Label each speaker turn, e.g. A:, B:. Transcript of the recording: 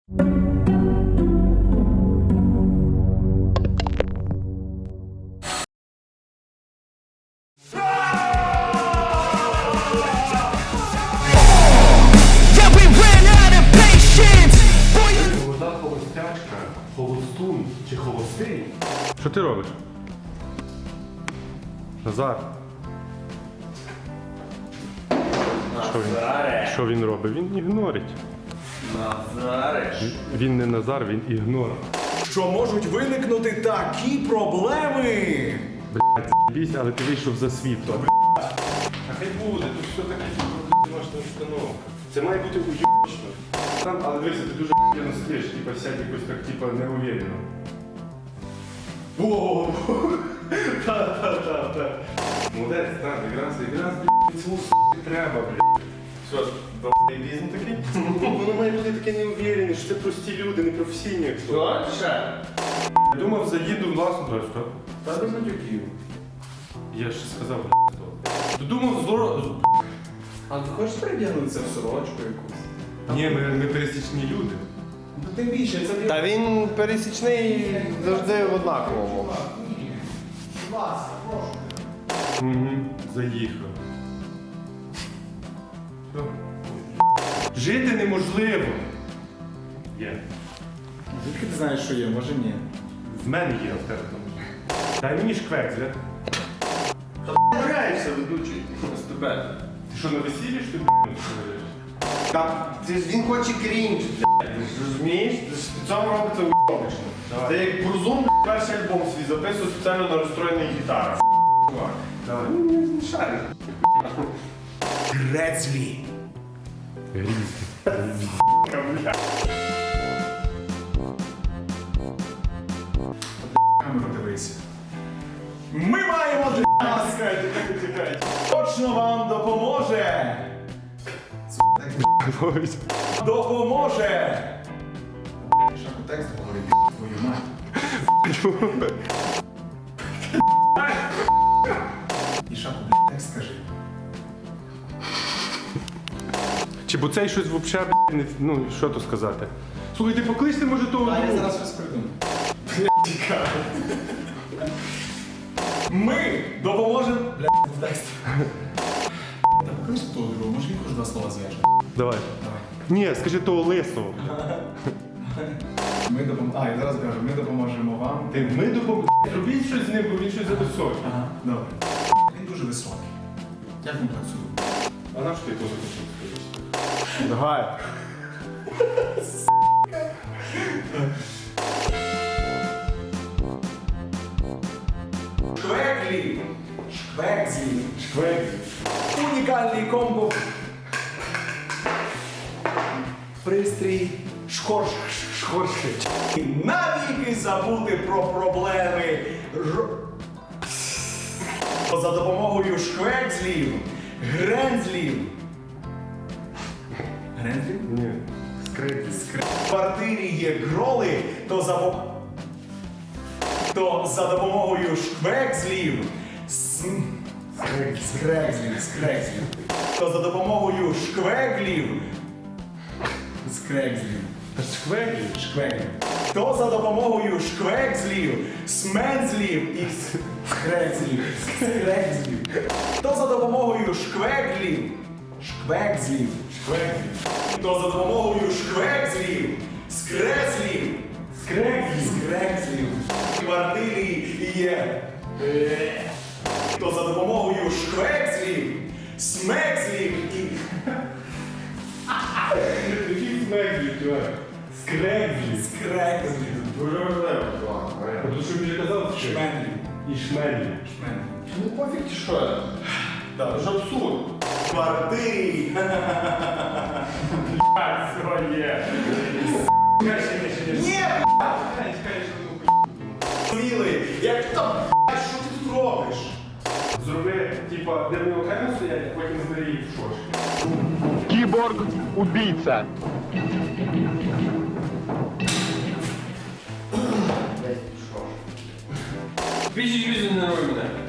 A: Молода холостячка, холостун чи холостий? Що ти робиш? Назар. Що він робить? Він ігнорить.
B: Назариш.
A: Він не Назар, він ігнор.
C: Що можуть виникнути такі проблеми?
A: Блядь, бійся, але ти вийшов за світло. А хай буде, тут все таке домашня установка. Це має бути уйобично. Там, але дивися, ти дуже охуєнно сидиш, типа сядь якось так, типа, неуверенно. Воу! Та. Молодець, так, якраз, блядь, цьому треба, блядь. Що ж, долбоєбізм такий? Воно має бути таке неуверенне, що це прості люди, не професійні.
B: Що? Ще?
A: Думав, заїду власну дрожь, так?
B: Та до матюків.
A: Я ж сказав, блядь, то. Думав,
B: А ти хочеш передягнутися в сорочку якусь?
A: Ні, ми пересічні люди.
B: Ну тим більше, це Та він пересічний завжди в однаковому.
A: Угу, заїхав. Що? Жити неможливо. Є.
C: Звідки ти знаєш, що є? Може ні.
A: В мене є, а в тебе там. Дай мені шквекзля.
B: Граєшся, ведучий. З тебе.
A: Ти що, на весіллі ж ти говориш?
B: Та він хоче крінж, блядь. Розумієш? В цьому робиться уйобично.
A: Давай.
B: Це як Брузун перший альбом свій записував спеціально на розстроєній гітарі.
A: Давай.
B: Шарик.
C: Грецлі.
A: Грізний.
C: Камеру дивися. Ми маємо для вас.
B: Чекайте.
C: Точно вам допоможе. Допоможе. Шаку текст говорить, твою мать. І Шаку, текст скажи.
A: Чи бо цей щось взагалі, не, ну, що то сказати? Слухай, ти покличте, може, того
C: А я
A: другого?
C: зараз щось придумаю. Ми допоможемо. Блядь, текст. Та поклич того другого, може він хоч два слова зв'яже.
A: Давай.
C: Давай.
A: Ні, скажи того лисого.
C: Ми допоможемо. А, я зараз кажу, ми допоможемо вам.
A: Ми допоможемо. Робіть щось з ним, бо він щось зависокий.
C: Ага, добре. Він дуже високий. Як він працює?
A: А на що ти теж хочеш?
B: Давай.
C: Шквеклі. Шквекзлі.
A: Шквекзі.
C: Унікальний комбо. Пристрій. Шхорши. Навіки забути про проблеми. За допомогою шквекзлів, грензлів. Грензлів?
A: Ні. Скрипки.
C: В квартирі є гроли, то за допомогою шквекзлів. Скрекзлів. То за допомогою шквеглів. Скрекзлів.
A: Шквеклі?
C: То за допомогою шквекзлів, смензлів і скрекзлів. То за допомогою шквеглів. То за допомогою шквекзлів, скрекзлів. В квартирі є. То за допомогою шквекзлів, смекзлів і...
A: Який смеклі, чувак? Скрекзлі.
C: Скрекзлів.
B: Дуже важливо.
A: Тому що він казав, що
C: Шменлів.
A: і шмелі.
B: Ну пофіг чи що я?
C: Да.
B: Це ж абсурд.
C: В квартирі.
A: Своє.
C: Ні, Сміли, як там, що ти тут робиш?
A: Зроби, типа, де вони окремо стоять, а потім збери їх в шош.
D: Киборг-убийца.
B: Біжи, не руй мене.